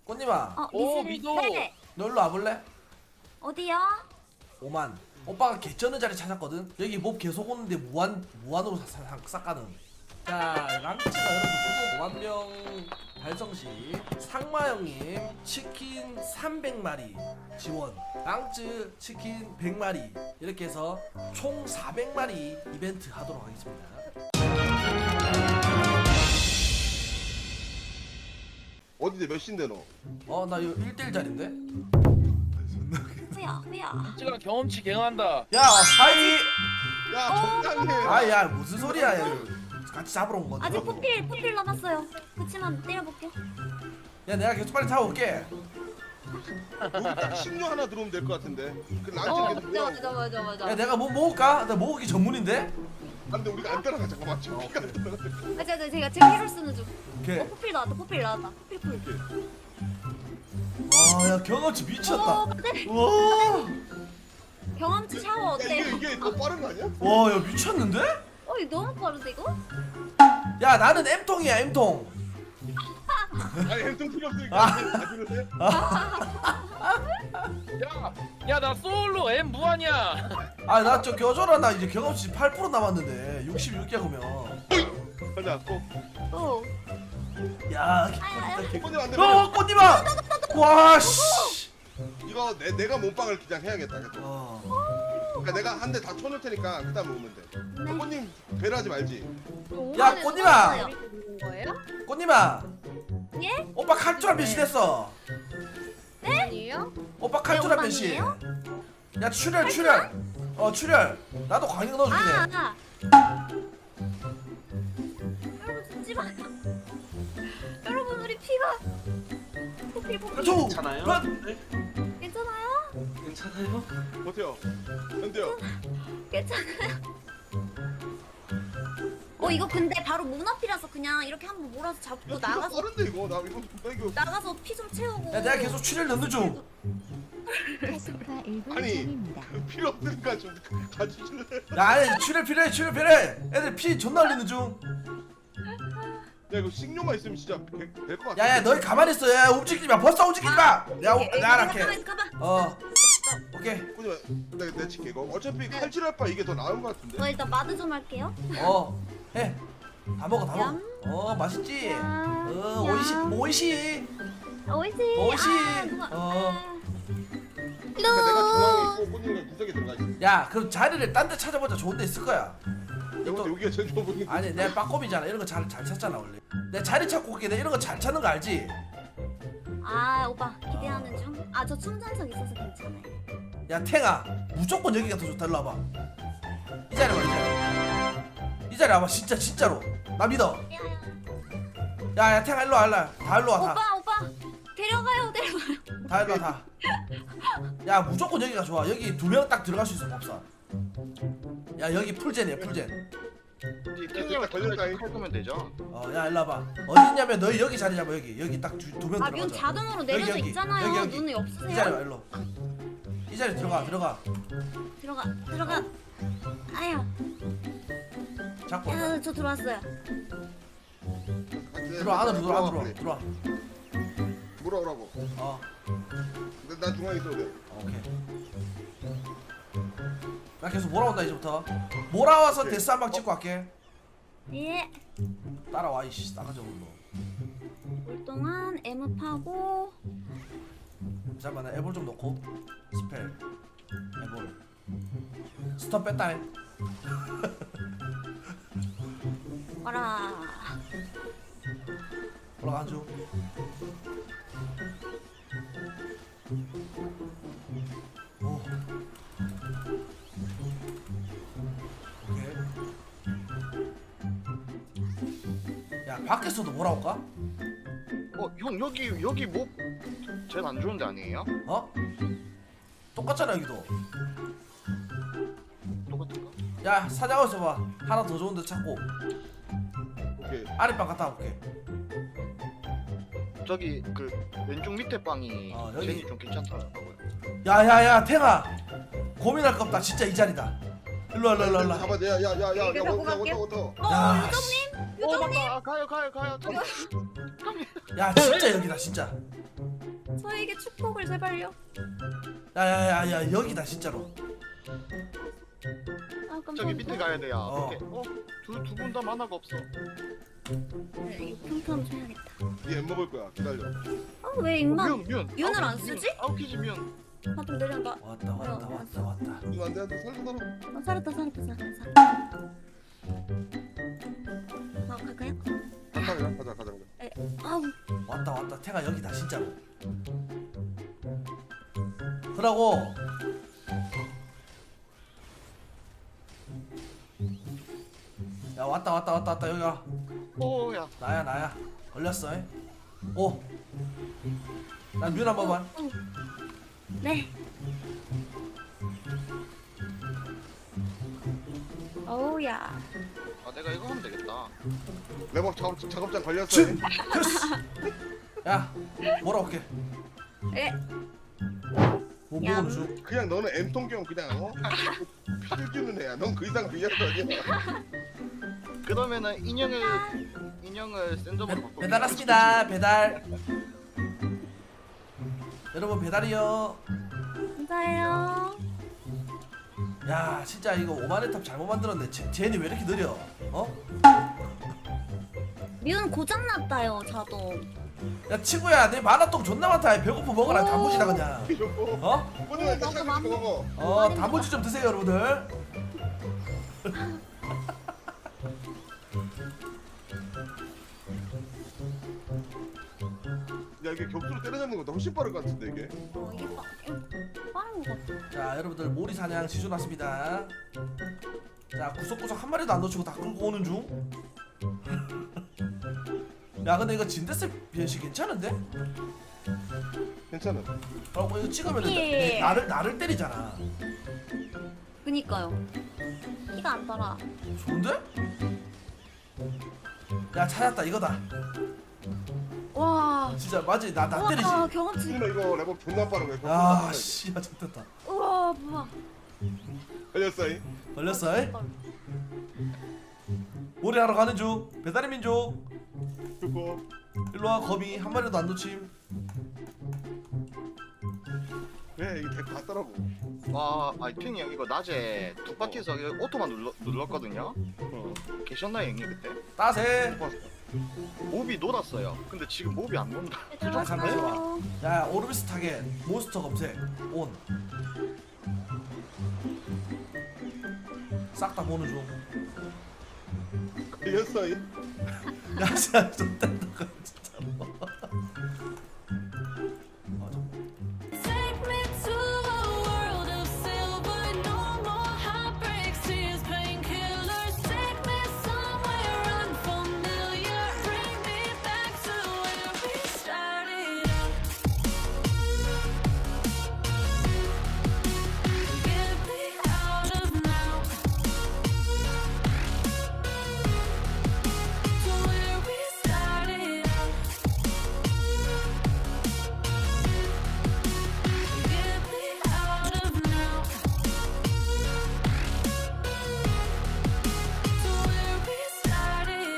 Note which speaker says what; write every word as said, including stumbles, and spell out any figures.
Speaker 1: 꽃님아,
Speaker 2: 어,
Speaker 3: 오,
Speaker 2: 미스를-
Speaker 3: 미도.
Speaker 2: 네.
Speaker 1: 너 일로 와볼래?
Speaker 2: 어디요?
Speaker 1: 오만. 오빠가 개쩌는 자리 찾았거든. 여기 몹 계속 오는데 무한 무한으로 사- 사- 싹 가능. 자, 랑치가 여러분 구독 오만 명 달성 시 상마 형님 치킨 삼백 마리 지원. 랑츠 치킨 백 마리 이렇게 해서 총 사백 마리 이벤트 하도록 하겠습니다.
Speaker 4: 어디데 몇 시인데 너?
Speaker 1: 어, 나 이거 일 대일 자리인데?
Speaker 2: 후야, 후야.
Speaker 3: 찌가 경험치 갱한다.
Speaker 1: 야, 하이!
Speaker 4: 야 적당히 해.
Speaker 1: 아, 야, 무슨 소리야, 야. 같이 잡으러 온 건데.
Speaker 2: 아직 포필, 포필 남았어요. 그치만 때려볼게.
Speaker 1: 야, 내가 계속 빨리 잡아올게.
Speaker 4: 여기 딱 식료 하나 들어오면 될 것 같은데. 그
Speaker 2: 어,
Speaker 4: 랑치 계속
Speaker 2: 맞아,
Speaker 4: 뭐야?
Speaker 2: 맞아, 맞아, 맞아.
Speaker 1: 야, 내가 뭐 먹을까? 나 먹기 전문인데?
Speaker 4: 안돼 우리가 안 따라가 잠깐만. 저기가 안 따라가.
Speaker 2: 맞아, 맞아, 제가 제 피를 쓰는 중.
Speaker 1: 오케이.
Speaker 2: 어, 포필 나왔다, 포필 나왔다. 포필 풀.
Speaker 1: 아, 야, 경험치
Speaker 2: 어,
Speaker 1: 미쳤다.
Speaker 2: 네.
Speaker 1: 와,
Speaker 2: 경험치 샤워
Speaker 4: 야
Speaker 2: 어때요?
Speaker 4: 이게 이게 더 빠른 거 아니야?
Speaker 1: 와, 야, 미쳤는데?
Speaker 2: 어, 이거 너무 빠른데 이거?
Speaker 1: 야, 나는 M통이야, M통.
Speaker 4: 아니 햄통 필요 없으니까
Speaker 1: 아.
Speaker 4: 다 주는데.
Speaker 3: 야, 야, 나 솔로 M 무한이야.
Speaker 1: 아, 나 저 겨줘라. 나 이제 경험치 팔 퍼센트 남았는데. 육십육 개 그러면.
Speaker 4: 가자 꼭.
Speaker 2: 어.
Speaker 1: 야,
Speaker 2: 아야,
Speaker 1: 개-
Speaker 4: 번님 안 돼.
Speaker 1: 어, 꽃님아! 와, 씨.
Speaker 4: 이거 내 내가 몸빵을 그냥 해야겠다. 계속.
Speaker 1: 어.
Speaker 4: 그러니까 내가 한 대 다 쳐놓을 테니까 그다음 먹으면 돼.
Speaker 2: 네.
Speaker 4: 번님 배려하지 말지.
Speaker 1: 야, 꽃님아!
Speaker 2: 거예요?
Speaker 1: 꽃님아!
Speaker 2: 예?
Speaker 1: 오빠 칼투라 변신했어.
Speaker 2: 아니에요?
Speaker 1: 오빠 칼투라
Speaker 2: 네,
Speaker 1: 변신.
Speaker 2: 오빠는요?
Speaker 1: 야, 출혈, 출혈. 어, 출혈. 나도 광역 넣어주네.
Speaker 2: 아, 아. 여러분 죽지 마요. 여러분 우리 피가 포필 포필.
Speaker 1: 저,
Speaker 5: 괜찮아요?
Speaker 1: 런!
Speaker 5: 네?
Speaker 2: 괜찮아요?
Speaker 5: 괜찮아요?
Speaker 4: 어때요? 현대요.
Speaker 2: 괜찮아요? 어 이거 근데 바로 문 앞이라서 그냥 이렇게 한번 몰아서 잡고
Speaker 4: 야,
Speaker 2: 나가서
Speaker 4: 나가서 빠른데 이거 나 이거 나 이거
Speaker 2: 나가서 피 좀 채우고.
Speaker 1: 야, 내가 계속 출혈 넣는 중.
Speaker 4: 아니 그 필요 없으니까 좀 가주실래?
Speaker 1: 야, 아니, 출혈 필요해, 출혈 필요해. 애들 피 존나 흘리는 중.
Speaker 4: 야 이거 식료만 있으면 진짜 될 것 같아.
Speaker 1: 야, 야, 너희 가만히 있어. 야, 움직이지 마. 벌써 움직이지 마. 내가,
Speaker 2: 예, 예,
Speaker 1: 내가
Speaker 2: 가만
Speaker 1: 할게.
Speaker 2: 가만.
Speaker 1: 어, 오케이.
Speaker 4: 꾸지마 내가 내가 칠게 이거. 어차피 칼질할 바 이게 더 나은 것 같은데.
Speaker 2: 어 일단 마드 좀 할게요.
Speaker 1: 어, 해. 다 먹어, 다 먹어.
Speaker 2: 얌.
Speaker 1: 어, 맛있지?
Speaker 2: 얌.
Speaker 1: 어, 오이시, 오이시.
Speaker 2: 오이시.
Speaker 1: 오이시.
Speaker 2: 아, 누가-
Speaker 1: 어.
Speaker 2: 아.
Speaker 4: 그러니까 내가 중앙에 있고 꾸지가 구석에 들어가 있어.
Speaker 1: 야, 그럼 자리를 딴 데 찾아보자. 좋은 데 있을 거야.
Speaker 4: 여기서 여기가 제일 좋아 보이는.
Speaker 1: 아니, 내가 빠꼼이잖아. 이런 거 잘 잘 찾잖아, 원래. 내가 자리 찾고 올게. 내가 이런 거 잘 찾는 거 알지?
Speaker 2: 아 오빠 기대하는 중. 아 저 충전석 있어서 괜찮아요.
Speaker 1: 야, 탱아. 무조건 여기가 더 좋다. 일로 와봐. 이 자리 와, 이 자리. 이 자리 와봐. 진짜, 진짜로. 나 믿어. 야, 야, 탱아, 일로 와, 일로 와. 다 일로 와, 다.
Speaker 2: 오빠 오빠 데려가요 데려가요.
Speaker 1: 다 일로 와, 다. 야, 무조건 여기가 좋아. 여기 두 명 딱 들어갈 수 있어, 법사. 야, 여기 풀젠이야, 풀젠.
Speaker 4: 됐다, 걸렸다, 이.
Speaker 5: 할 거면 되죠?
Speaker 1: 어, 야, 일로 와봐. 어디 있냐면 너희 여기 자리 잡아, 여기. 여기 딱 두 명
Speaker 2: 아문
Speaker 1: 들어가자.
Speaker 2: 자동으로 내려져
Speaker 1: 여기, 여기.
Speaker 2: 있잖아요.
Speaker 1: 여기, 여기.
Speaker 2: 눈이
Speaker 1: 이 자리
Speaker 2: 없으세요?
Speaker 1: 와, 일로. 이 자리 들어가, 들어가.
Speaker 2: 들어가 들어가. 아야
Speaker 1: 잡고.
Speaker 2: 야저 들어왔어요.
Speaker 1: 들어와, 안으로 들어와, 안으로
Speaker 4: 빨리.
Speaker 1: 들어와.
Speaker 4: 물어오라고.
Speaker 1: 어,
Speaker 4: 나, 나 중앙에 있어도 돼.
Speaker 1: 오케이. 나 계속 몰아온다, 이제부터. 몰아와서
Speaker 4: 오케이.
Speaker 1: 데스 한 방 찍고 갈게.
Speaker 2: 예.
Speaker 1: 따라와, 이씨. 싸가지 없는 거.
Speaker 2: 올 동안 M 파고
Speaker 1: 잠깐만, 나 애볼 좀 넣고. 스펠. 애볼. 스톱 뺐다, 해.
Speaker 2: 와라.
Speaker 1: 올라가 줘. 오. 오케이. 야, 밖에서도 몰아올까?
Speaker 5: 어, 형 여기 여기 뭐 제일 안 좋은 데 아니에요?
Speaker 1: 어? 똑같잖아, 여기도.
Speaker 5: 똑같은가?
Speaker 1: 야, 사장에서 봐. 하나 더 좋은 데 찾고.
Speaker 4: 오케이.
Speaker 1: 아랫방 갔다 올게.
Speaker 5: 저기 그 왼쪽 밑에 방이
Speaker 1: 어, 여기.
Speaker 5: 젠이 좀 괜찮더라고요.
Speaker 1: 야야야, 탱아. 고민할 거 없다. 진짜 이 자리다. 일로 와, 일로 와, 일로 와.
Speaker 4: 가봐. 야야야야. 야,
Speaker 2: 이거
Speaker 4: 야,
Speaker 2: 갖고
Speaker 4: 어터
Speaker 2: 갈게요.
Speaker 4: 어터 어터.
Speaker 2: 어
Speaker 1: 야,
Speaker 2: 요정님
Speaker 5: 어
Speaker 2: 요정님.
Speaker 5: 맞다. 아, 가요 가요 가요. 저기.
Speaker 1: 야, 진짜 여기다, 진짜.
Speaker 2: 저에게 축복을 제발요.
Speaker 1: 야야야야 여기다 진짜로.
Speaker 2: 아 깜짝이야.
Speaker 5: 저기 밑에 가야 돼요.
Speaker 1: 어.
Speaker 5: 오케이. 어? 두 두 분 다 만화가 없어.
Speaker 2: 네, 이거 평탄 줘야겠다.
Speaker 4: 얘 먹을 거야. 기다려.
Speaker 2: 아왜 임마?
Speaker 5: 뮤 뮤.
Speaker 2: 뮤는
Speaker 5: 아홉
Speaker 2: 안
Speaker 5: 뮤.
Speaker 2: 쓰지?
Speaker 5: 아홉 키지 뮤.
Speaker 2: 아좀 내려놔.
Speaker 1: 왔다 왔다 왔다 왔다.
Speaker 4: 이거 안돼 안돼 살려 살려.
Speaker 2: 아, 살았다 살았다 살았다 살았다. 아 갈까요?
Speaker 4: 가자 가자 가자 가자.
Speaker 2: 에, 아우
Speaker 1: 왔다 왔다. 태가 여기다 진짜로. 그러고 야 왔다 왔다 왔다 왔다 여기가
Speaker 5: 오야.
Speaker 1: 나야 나야 걸렸어. 이. 오. 난뮤 한 번만.
Speaker 2: 어. 네. 어우야.
Speaker 5: 아 내가 이거 하면 되겠다.
Speaker 4: 레버 작업 작업장 걸렸어.
Speaker 1: 진. 됐어. 야 뭐라 올게.
Speaker 2: 에.
Speaker 1: 뭐
Speaker 2: 얌.
Speaker 1: 먹어도 줘.
Speaker 4: 그냥 너는 엠통경 그냥 어? 피를 주는 애야. 넌 그 이상 그냥 아니야.
Speaker 5: 그러면은 인형을 인형을 센점으로 바꿔.
Speaker 1: 배달 왔습니다. 배달. 여러분 배달이요.
Speaker 2: 감사해요.
Speaker 1: 야 진짜 이거 오만의 탑 잘못 만들었네. 제, 쟤는 왜 이렇게 느려? 어?
Speaker 2: 뮤는 고장났다요 자동.
Speaker 1: 야 친구야 내 만화똥 존나 많다. 배고파 먹어라.
Speaker 2: 오.
Speaker 1: 단무지다 그냥.
Speaker 4: 이러고.
Speaker 1: 어?
Speaker 4: 이번에 일단
Speaker 2: 먹어,
Speaker 4: 시작해서
Speaker 2: 먹어.
Speaker 4: 먹어.
Speaker 1: 어 단무지 좀 드세요 여러분들.
Speaker 4: 야 이게 격수로 때려잡는 것보다 훨씬 빠를 것 같은데 이게.
Speaker 2: 어 이게 빠, 이거 빠른 것 같아.
Speaker 1: 자 여러분들 모리 사냥 지조 났습니다. 자 구석구석 한 마리도 안 놓치고 다 끌고 오는 중. 야 근데 이거 진데스 변신 괜찮은데?
Speaker 4: 괜찮아.
Speaker 1: 그리고 이거 찍으면
Speaker 2: 예.
Speaker 1: 나를 나를 때리잖아.
Speaker 2: 그니까요. 피가 안 달아.
Speaker 1: 좋은데? 야 찾았다 이거다.
Speaker 2: 와.
Speaker 1: 진짜 맞지? 나 나 때리지.
Speaker 2: 우와 경험치.
Speaker 4: 승민아 이거 레버 존나 빠른 거야.
Speaker 1: 야 씨야 좋겠다.
Speaker 2: 우와 뭐야.
Speaker 4: 걸렸어. 이.
Speaker 1: 걸렸어. 이? 모리 하러 가는 중. 배달의 민족.
Speaker 4: 그거.
Speaker 1: 일로와 거미 한 마리도 안 놓침.
Speaker 4: 왜 이게 데리고 갔더라고.
Speaker 5: 와, 아이 탱이 형 이거 낮에 두 바퀴에서 이거 오토만 눌러, 눌렀거든요.
Speaker 4: 어.
Speaker 5: 계셨나요 형님 그때?
Speaker 1: 따세.
Speaker 5: 몹이 놀았어요. 근데 지금 몹이 안 논다.
Speaker 2: 들어갔어요.
Speaker 1: 야 오르비스 타겟 몬스터 검색 온. 싹 다 보는 중.
Speaker 4: 걸렸어. 이.
Speaker 1: 야 진짜 좋다.